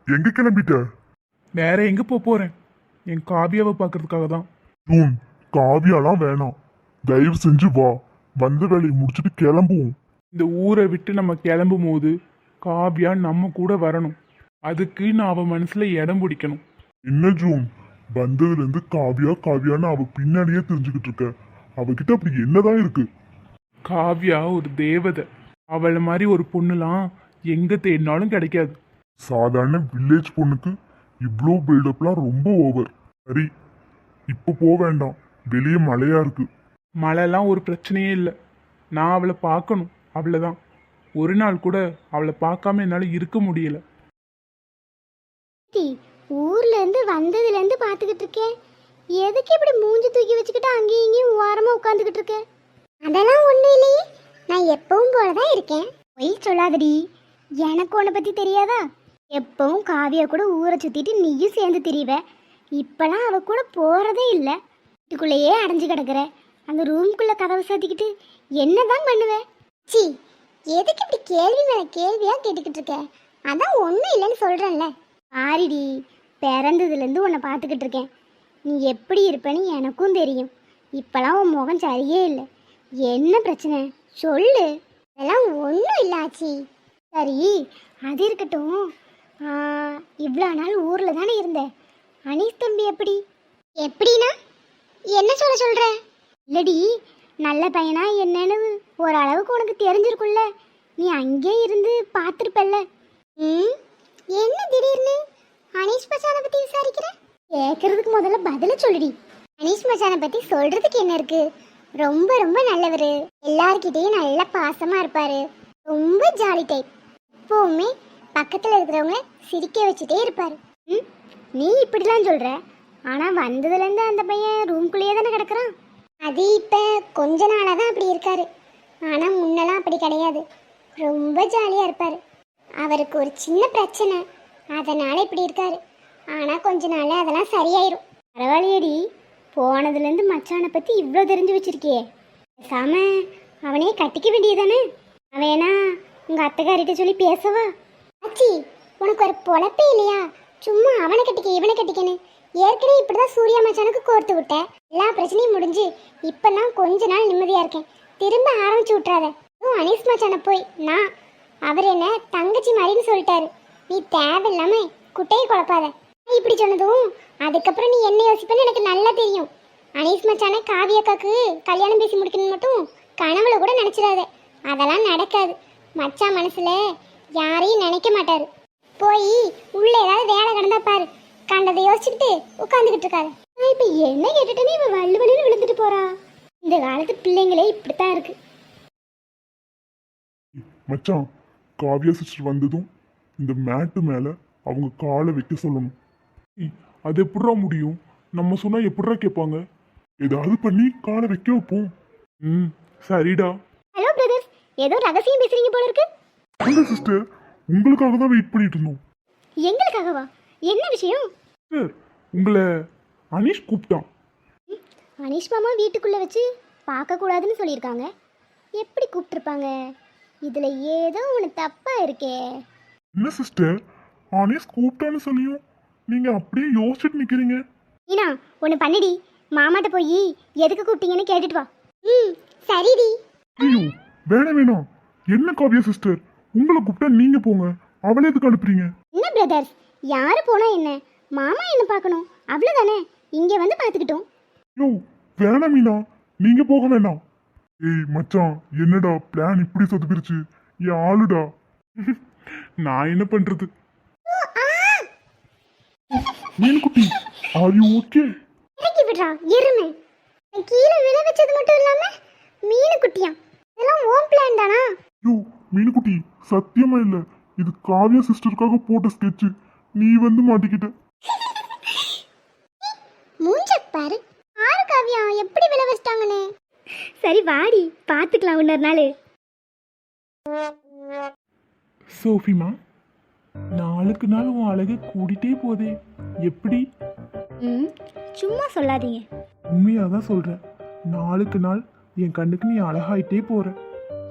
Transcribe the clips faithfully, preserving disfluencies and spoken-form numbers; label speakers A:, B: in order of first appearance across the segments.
A: எங்க கிளம்பிட்ட?
B: வேற எங்க போக போறேன்? என் காவியாவை பார்க்கறதுக்காக தான்.
A: ஜூன், காவியாலாம் வேணாம். தயவு செஞ்சு வா. வந்த வேலையை முடிச்சுட்டு கிளம்புவோம்.
B: இந்த ஊரை விட்டு நம்ம கிளம்பும் போது காவியா நம்ம கூட வரணும். அதுக்கு நான் அவ மனசுல இடம் பிடிக்கணும்.
A: என்ன ஜூன், வந்ததுல இருந்து காவியா காவியான்னு அவ பின்னாடியே தெரிஞ்சுக்கிட்டு இருக்க. அவகிட்ட அப்படி என்னதான் இருக்கு?
B: காவியா ஒரு தேவதை. அவளை மாதிரி ஒரு பொண்ணுலாம் எங்க தேடினாலும் கிடைக்காது.
A: சாதாரண வில்லேஜ் பொண்ணுக்கு இவ்வளோ பில்டப்லாம் ரொம்ப ஓவர். சரி, இப்போ போக வேண்டாம். வெளியே மழையா இருக்கு.
B: மழைலாம் ஒரு பிரச்சனையே இல்லை. நான் அவளை பார்க்கணும், அவ்வளோதான். ஒரு நாள் கூட அவளை பார்க்காம என்னால் இருக்க முடியல.
C: ஊர்ல இருந்து வந்ததுல இருந்து பாத்துக்கிட்டு இருக்கேன். எதுக்கு இப்படி மூஞ்சி தூக்கி வச்சுக்கிட்டு அங்கேயும் இங்கேயும் ஓரமா உட்காந்துக்கிட்டு இருக்கேன்? அதெல்லாம் ஒண்ணும் இல்லையே, நான் எப்பவும் போலதான் இருக்கேன். பொய் சொல்லாதடி, எனக்கு உன்னை பத்தி தெரியாதா? எப்பவும் காவியா கூட ஊரை சுத்திட்டு நீயும் சேர்ந்து திரிவ. இப்பெல்லாம் அவ கூட போறதே இல்லை. வீட்டுக்குள்ளேயே அடைஞ்சு கிடக்குற. அந்த ரூம்குள்ள கதவை சாத்திக்கிட்டு என்னதான் பண்ணுவ? சி, எதுக்கு இப்படி கேள்வி மேல கேள்வியா கேட்டுக்கிட்டு இருக்க? அதான் ஒன்றும் இல்லைன்னு சொல்றேன்ல. ஆரிடி, பிறந்ததுலேருந்து உன்னை பார்த்துக்கிட்டு இருக்கேன். நீ எப்படி இருப்பேன்னு எனக்கும் தெரியும். இப்போலாம் உன் முகம் சரியே இல்லை. என்ன பிரச்சனை சொல்லு. அதெல்லாம் ஒன்றும் இல்லை ஆச்சி. சரி, அது இருக்கட்டும். இவ்வளோ நாள் ஊரில் தானே இருந்தேன். அனீஸ் தம்பி எப்படி? எப்படின்னா என்ன சொல்ல சொல்கிற? இல்லடி, நல்ல பையனா என்னன்னு ஓரளவுக்கு உனக்கு தெரிஞ்சிருக்குல்ல. நீ அங்கே இருந்து பார்த்துருப்பல்ல. ம், என்ன திடீர்னு அனீஷ் மச்சானை பற்றி விசாரிக்கிற? கேட்கறதுக்கு முதல்ல பதில சொல்லுடி. அனீஷ் மச்சானை பற்றி சொல்கிறதுக்கு என்ன இருக்கு? ரொம்ப ரொம்ப நல்லவர். எல்லார்கிட்டையும் நல்ல பாசமாக இருப்பார். ரொம்ப ஜாலி டைப். எப்போவுமே பக்கத்தில் இருக்கிறவங்க சிரிக்க வச்சுட்டே இருப்பார். ம், நீ இப்படிலாம் சொல்கிற. ஆனால் வந்ததுலேருந்து அந்த பையன் ரூம்குள்ளேயே தானே கிடக்குறான். அது இப்போ கொஞ்ச நாளாக தான் அப்படி இருக்காரு. ஆனால் முன்னெல்லாம் அப்படி கிடையாது. ரொம்ப ஜாலியாக இருப்பார். அவருக்கு ஒரு சின்ன பிரச்சனை, அதனால் இப்படி இருக்காரு. ஆனால் கொஞ்ச நாள் அதெல்லாம் சரியாயிரும். பரவாயில்லையடி, போனதுலேருந்து மச்சானை பற்றி இவ்வளோ தெரிஞ்சு வச்சிருக்கியே. பேசாம அவனே கட்டிக்க வேண்டியதானே? அவனா உங்கள் அத்தைக்காரிட்ட சொல்லி பேசவா? ஆச்சி, உனக்கு ஒரு பொழப்பே இல்லையா? சும்மா அவனை கட்டிக்க இவனை கட்டிக்கன்னு. ஏற்கனவே இப்படி தான் சூர்யா மச்சானுக்கு கோர்த்து விட்டேன். எல்லா பிரச்சனையும் முடிஞ்சு இப்போ நான் கொஞ்ச நாள் நிம்மதியாக இருக்கேன். திரும்ப ஆரம்பிச்சு விட்றாத. அனீஸ் மச்சானை போய் நான் அவர் என்ன தங்கச்சி மாதிரின்னு சொல்லிட்டாரு. நீ தேவையில்லாம குட்டையை குழப்பாத. இப்படி சொன்னதும் அதுக்கப்புறம் நீ என்ன யோசிப்பேன்னு எனக்கு நல்லா தெரியும். அனீஸ் மச்சானை காவியக்காக்கு கல்யாணம் பேசி முடிக்கணும் மட்டும் கனவுல கூட நினைச்சிடாத. அதெல்லாம் நடக்காது. மச்சான் மனசுல யாரையும் நினைக்க மாட்டாரு. போய் உள்ள ஏதாவது வேலை கிடந்தா பாரு. கண்டதை யோசிச்சுக்கிட்டு உட்காந்துக்கிட்டு இருக்காரு. நான் இப்ப என்ன கேட்டுட்டேன்னு இவன் வள்ளு வள்ளின்னு விழுந்துட்டு போறா. இந்த காலத்து பிள்ளைங்களே இப்படித்தான் இருக்கு.
A: மச்சான், காவியா சிஸ்டர் வந்ததும் இந்த மேட்டு மேல அவங்க காலை வைக்க சொல்லணும்.
B: அது எப்படிடா முடியும்? நம்ம சொன்னா எப்படிடா கேட்பாங்க?
A: ஏதாவது பண்ணி காலை வைக்க வைப்போம்.
B: ம், சரிடா.
C: ஹலோ பிரதர்ஸ், ஏதோ ரகசியம் பேசுறீங்க போல இருக்கு.
A: அந்த சிஸ்டர், உங்களுக்காக தான் வெயிட் பண்ணிட்டு இருந்தோம்.
C: எங்களுக்காகவா? என்ன விஷயம்?
B: சார், உங்களை அனீஷ் கூப்பிட்டான்.
C: அனீஷ் மாமா வீட்டுக்குள்ள வச்சு பார்க்க கூடாதுன்னு சொல்லியிருக்காங்க. எப்படி கூப்பிட்டுருப்பாங்க? இதுல ஏதோ ஒன்று தப்பா இருக்கே.
A: என்ன சிஸ்டர், அனீஸ் கூப்பிட்டான்னு சொல்லியும் நீங்க அப்படியே யோசிச்சுட்டு நிக்கிறீங்க.
C: ஈனா, ஒன்று பண்ணிடி. மாமாட்ட போய் எதுக்கு கூப்பிட்டீங்கன்னு கேட்டுட்டு வா. ம், சரிடி.
A: ஐயோ, வேணாம் வேணாம். என்ன காவியா சிஸ்டர், உங்களை கூப்பிட்டா நீங்க போங்க. அவளே எதுக்கு அனுப்புறீங்க?
C: என்ன பிரதர்ஸ், யாரு போனா என்ன? மாமா என்ன பார்க்கணும், அவ்வளோதானே. இங்கே வந்து பார்த்துக்கிட்டோம்.
A: யோ, வேணாம் மீனா, நீங்க போக வேண்டாம். ஏய் மச்சான், என்னடா பிளான் இப்படி சொதுப்பிருச்சு? என் ஆளுடா.
B: நான் என்ன பண்றது?
A: மீன் குட்டி, ஆர் யூ ஓகே?
C: இறக்கி விடுறா எருமை. கீழே விழ வச்சது மட்டும் இல்லாம மீன் குட்டியா? இதெல்லாம் ஓம் பிளான் தானா?
A: யோ மீன் குட்டி, சத்தியமா இல்ல. இது காவியா சிஸ்டருக்காக போட்ட ஸ்கெட்ச். நீ வந்து மாட்டிக்கிட்ட.
C: மூஞ்ச பாரு. ஆறு காவியா எப்படி விழ வச்சிட்டாங்கன்னு. சரி வாடி, பார்த்துக்கலாம் இன்னொரு நாள்.
B: சோஃபிமா, நாளுக்கு நாள் உன் அழகு கூடிட்டே போதே. எப்படி?
C: ம், சும்மா சொல்லாதீங்க.
B: உண்மையாக தான் சொல்கிறேன். நாளுக்கு நாள் என் கண்ணுக்கு நீ அழகாயிட்டே போற.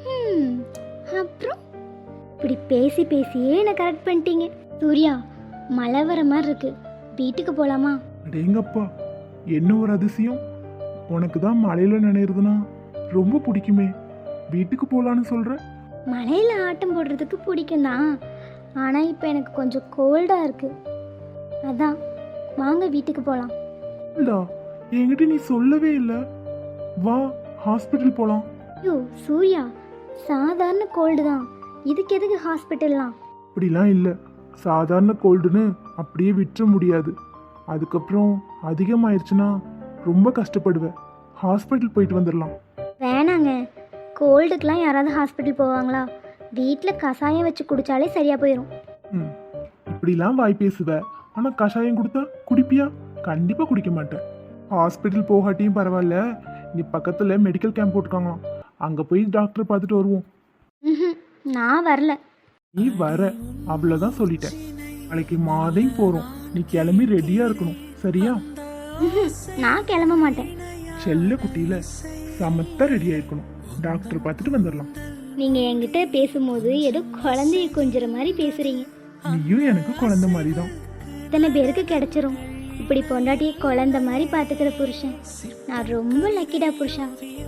C: அப்புறம் இப்படி பேசி பேசியே என்ன கரெக்ட் பண்ணிட்டீங்க. சூர்யா, மழை வர மாதிரி இருக்கு, வீட்டுக்கு போலாமா?
B: அடேங்கப்பா, என்ன ஒரு அதிசயம்! உனக்கு தான் மழையில நினைறதுனா ரொம்ப பிடிக்குமே, வீட்டுக்கு போலான்னு சொல்ற?
C: மழையில ஆட்டம் போடுறதுக்கு பிடிக்கும் தான், ஆனா இப்போ எனக்கு கொஞ்சம் கோல்டா இருக்கு. அதான் வாங்க வீட்டுக்கு போலாம்.
B: இல்லடா, என்கிட்ட நீ சொல்லவே இல்லை. வா, ஹாஸ்பிட்டல் போலாம்.
C: ஐயோ சூர்யா, சாதாரண கோல்டு தான், இதுக்கு எதுக்கு ஹாஸ்பிட்டல்லாம்?
B: அப்படிலாம் இல்லை, சாதாரண கோல்டுன்னு அப்படியே விட்டுற முடியாது. அதுக்கப்புறம் அதிகமாயிருச்சுன்னா ரொம்ப கஷ்டப்படுவேன். ஹாஸ்பிட்டல் போயிட்டு வந்துடலாம்.
C: வேணாங்க, கோல்டுக்கெலாம் யாராவது ஹாஸ்பிட்டல் போவாங்களா? வீட்டில் கஷாயம் வச்சு குடித்தாலே சரியாக போயிடும்.
B: ம், இப்படிலாம் வாய் பேசுவ, ஆனால் கஷாயம் கொடுத்தா குடிப்பியா? கண்டிப்பாக குடிக்க மாட்டேன். ஹாஸ்பிட்டல் போகாட்டியும் பரவாயில்ல, இங்கே பக்கத்தில் மெடிக்கல் கேம்ப் போட்டிருக்காங்களாம், அங்கே போய் டாக்டரை பார்த்துட்டு வருவோம்.
C: ம்ஹும், நான் வரல.
B: நீ வர, அவ்வளோதான் சொல்லிட்டேன். நாளைக்கு மார்னிங் போகிறோம், நீ கிளம்பி ரெடியாக இருக்கணும், சரியா?
C: ம்ஹும், நான் கிளம்ப மாட்டேன்.
B: செல்ல குட்டியில் சமத்தா ரெடியாக இருக்கணும், டாக்டர் பார்த்துட்டு வந்துடலாம்.
C: நீங்கள் என்கிட்ட பேசும்போது ஏதோ குழந்தைய கொஞ்சிற மாதிரி பேசுகிறீங்க.
B: நீயும் எனக்கு குழந்தை மாதிரி தான்.
C: இத்தனை பேருக்கு கிடைச்சிரும் இப்படி பொண்டாட்டியை குழந்தை மாதிரி பார்த்துக்கிற புருஷன். நான் ரொம்ப லக்கிடா புருஷா.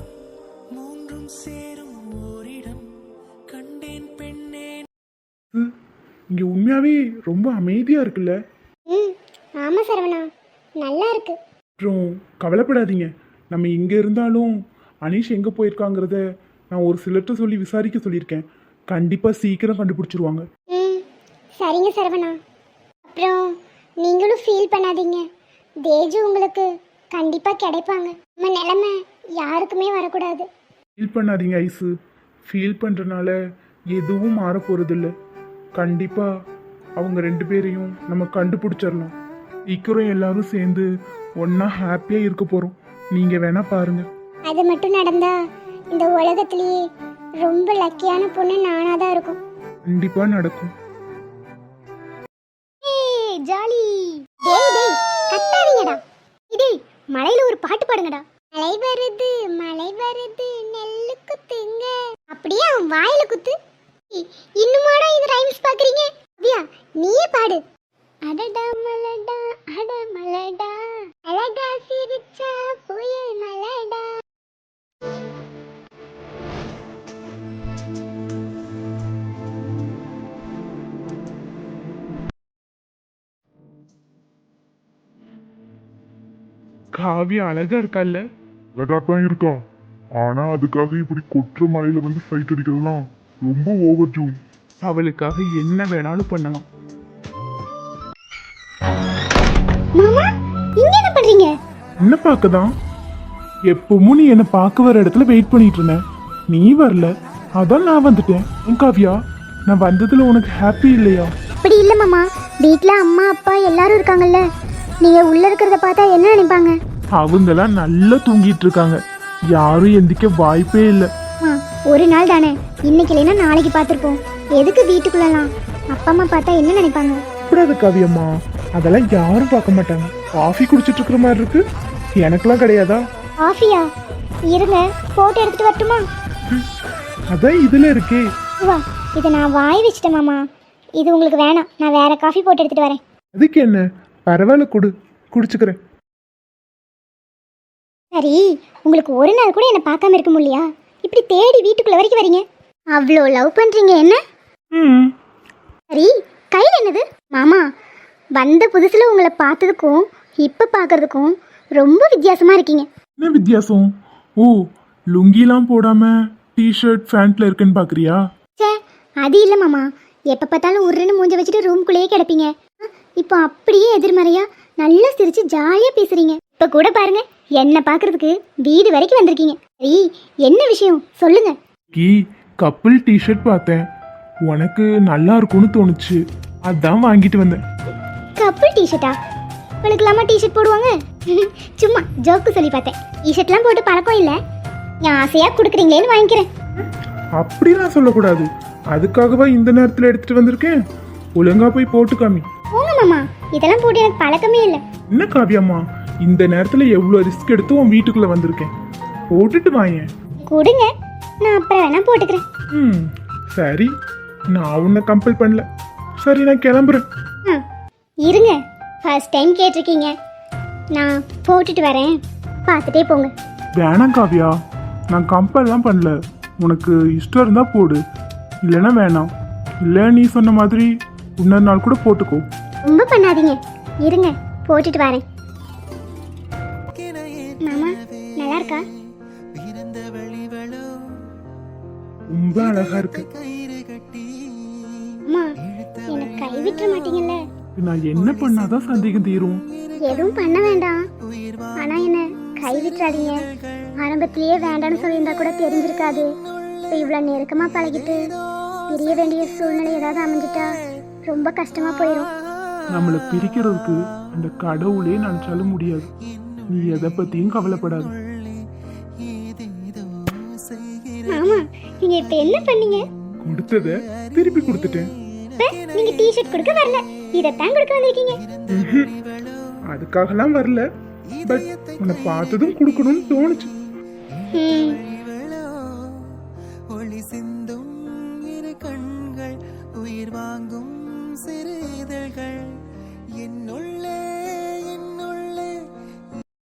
B: இங்கே உண்மையாகவே ரொம்ப அமைதியாக இருக்குல்ல?
C: ம் ஆமாம் சரவணா, நல்லா இருக்கு.
B: அப்புறம் கவலைப்படாதீங்க, நம்ம இங்கே இருந்தாலும் அனீஷ் எங்கே போயிருக்காங்கிறத நான் ஒரு சிலர்கிட்ட சொல்லி விசாரிக்க சொல்லியிருக்கேன். கண்டிப்பாக சீக்கிரம் கண்டுபிடிச்சிருவாங்க.
C: ம் சரிங்க சரவணா. அப்புறம் நீங்களும் ஃபீல் பண்ணாதீங்க, தேஜு உங்களுக்கு கண்டிப்பாக கிடைப்பாங்க. நம்ம நிலைமை யாருக்குமே வரக்கூடாது.
B: ஃபீல் பண்ணாதீங்க ஐஸு, ஃபீல் பண்ணுறனால எதுவும் மாற போகிறதில்ல. கண்டிப்பாக அவங்க ரெண்டு பேரையும் நம்ம கண்டுபிடிச்சிடலாம். சீக்கிரம் எல்லாரும் சேர்ந்து ஒன்றா ஹாப்பியாக இருக்க போகிறோம். நீங்கள் வேணால் பாருங்கள்.
C: அது மட்டும் நடந்தா இந்த உலகத்திலேயே ரொம்ப லக்கியான பொண்ணு நானாக தான் இருக்கும்.
B: கண்டிப்பாக நடக்கும்.
C: ஏய் ஜாலி. டேய் டேய் கத்தாதீங்கடா. டேய் மலையில ஒரு பாட்டு பாடுங்கடா. மலை வருது மலை வருது நெல்லு குத்துங்க. அப்படியே அவன் வாயில குத்து. இ- இன்னுமாடா இது ரைம்ஸ் பாக்குறீங்க? அப்படியா நீயே பாடு. அடடா மலடா அட மலடா அழகா சிரிச்சா புயல் மலடா.
B: காவியா அழகா இருக்கால்ல?
A: அழகாத்தான் இருக்கா, ஆனா அதுக்காக இப்படி கொற்ற மலையில வந்து ஃபைட் அடிக்கிறதுலாம் ரொம்ப ஓவர் ஜூன்.
B: அவளுக்காக என்ன வேணாலும் பண்ணலாம்.
C: மாமா இங்க என்ன பண்றீங்க?
B: என்ன பார்க்கதான்? எப்பவும் நீ என்னை பார்க்க வர இடத்துல வெயிட் பண்ணிட்டு இருந்தேன், நீ வரல, அதான் நான் வந்துட்டேன். ஏன் காவியா, நான் வந்ததுல உனக்கு ஹாப்பி இல்லையா?
C: அப்படி இல்ல மாமா, வீட்ல அம்மா அப்பா எல்லாரும் இருக்காங்கல்ல, நீங்க உள்ள இருக்கிறத பார்த்தா என்ன நினைப்பாங்க?
B: அவங்கெல்லாம் நல்லா தூங்கிட்டு இருக்காங்க, யாரும் எந்திக்க வாய்ப்பே இல்லை.
C: ஆ, ஒரு நாள் தானே, இன்னைக்கு இல்லைன்னா நாளைக்கு பார்த்துருப்போம். எதுக்கு வீட்டுக்குள்ளலாம்? அப்பா அம்மா பார்த்தா என்ன நினைப்பாங்க?
B: கூடாது காவியம்மா, அதெல்லாம் யாரும் பார்க்க மாட்டாங்க. காஃபி குடிச்சிட்டு இருக்கிற மாதிரி இருக்கு, எனக்கெல்லாம் கிடையாதா?
C: காஃபியா? இருங்க போட்டோ எடுத்துட்டு வரட்டுமா?
B: அதான் இதுல இருக்கே.
C: வா, இதை நான் வாய் வச்சிட்டேன் மாமா, இது உங்களுக்கு வேணாம், நான் வேற காஃபி போட்டு எடுத்துட்டு வரேன்.
B: அதுக்கு என்ன, பரவாயில்ல, கொடு, குடிச்சுக்கிறேன்.
C: சரி, உங்களுக்கு ஒரு நாள் கூட என்னை பார்க்காம இருக்க முடியலையா? இப்படி தேடி வீட்டுக்குள்ள வரைக்கும் வரீங்க, அவ்வளோ லவ் பண்றீங்க என்ன?
B: ம்,
C: சரி, கையில் என்னது? மாமா, வந்த புதுசுல உங்களை பார்த்ததுக்கும் இப்போ பார்க்கறதுக்கும் ரொம்ப வித்தியாசமா இருக்கீங்க.
B: என்ன வித்தியாசம்? ஓ, லுங்கிலாம் போடாம டிஷர்ட் பேண்ட்ல இருக்குன்னு பாக்குறியா?
C: சே, அது இல்லை மாமா, எப்போ பார்த்தாலும் உருன்னு மூஞ்ச வச்சுட்டு ரூம்குள்ளேயே கிடப்பீங்க. இப்போ அப்படியே எதிர்மறையா நல்லா சிரிச்சு ஜாலியாக பேசுறீங்க. இப்போ கூட பாருங்க, என்னை பார்க்கறதுக்கு வீடு வரைக்கும் வந்திருக்கீங்க. சரி, என்ன விஷயம் சொல்லுங்க.
B: கீ கப்பிள் டிஷர்ட் பார்த்தேன், உனக்கு நல்லா இருக்கும்னு தோணுச்சு, அதான் வாங்கிட்டு வந்தேன்.
C: கப்பிள் டிஷர்ட்டா? உனக்குலாமா டிஷர்ட் போடுவாங்க? சும்மா ஜோக்கு சொல்லி பார்த்தேன். டிஷர்ட்லாம் போட்டு பழக்கம் இல்லை, நான் ஆசையாக கொடுக்குறீங்களேன்னு வாங்கிக்கிறேன்.
B: அப்படிலாம் சொல்லக்கூடாது, அதுக்காகவா இந்த நேரத்தில் எடுத்துட்டு வந்திருக்கேன். ஒழுங்கா போய் போட்டு காமி.
C: போங்க மாமா, இதெல்லாம் போட்டு எனக்கு பழக்கமே இல்லை.
B: என்ன காவியம்மா, இந்த நேரத்தில் எவ்வளோ ரிஸ்க் எடுத்து உன் வீட்டுக்குள்ள வந்திருக்கேன், போட்டுட்டு வாயேன்.
C: கொடுங்க, நான் அப்புறம் வேணா போட்டுக்கிறேன்.
B: ம் சரி, நான் உன்னை கம்பல் பண்ணல. சரி, நான் கிளம்புறேன்.
C: ஆ, இருங்க, ஃபர்ஸ்ட் டைம் கேட்டிருக்கீங்க. நான் போட்டுட்டு வரேன், பார்த்துட்டே போங்க.
B: வேணாம் காவியா, நான் கம்பல்லாம் பண்ணல. உனக்கு இஷ்டம் இருந்தால் போடு, இல்லைன்னா வேணாம். இல்லை நீ சொன்ன மாதிரி இன்னொரு நாள் கூட போட்டுக்கோ.
C: ரொம்ப பண்ணாதீங்க, இருங்க போட்டுட்டு வரேன். மாமா நல்லா இருக்கா?
B: ரொம்ப அழகா இருக்கு.
C: அம்மா எனக்கு கை விட்டுற மாட்டீங்கல்ல?
B: நான் என்ன பண்ணாதான் சந்தேகம் தீரும்?
C: எதுவும் பண்ண வேண்டாம், ஆனா என்ன கை விட்டுறாதீங்க. ஆரம்பத்திலேயே வேண்டாம்னு சொல்லியிருந்தா கூட தெரிஞ்சிருக்காது. இப்போ இவ்வளோ நெருக்கமா பழகிட்டு பிரிய வேண்டிய சூழ்நிலை ஏதாவது அமைஞ்சிட்டா ரொம்ப கஷ்டமா போயிடும்.
B: நம்மளை பிரிக்கிறதுக்கு அந்த கடவுளே நினைச்சாலும் முடியாது. நீ எதை பத்தியும் கவலைப்படாது.
C: மாமா நீங்க இப்ப என்ன பண்ணீங்க?
B: கொடுத்தத திருப்பி கொடுத்துட்டேன்.
C: இப்ப நீங்க டி-ஷர்ட் கொடுக்க வரல, இதத்தான் கொடுக்க வந்திருக்கீங்க.
B: அதுக்காகலாம் வரல, பட் உன்னை பார்த்ததும் கொடுக்கணும்னு தோணுச்சு.
C: ம்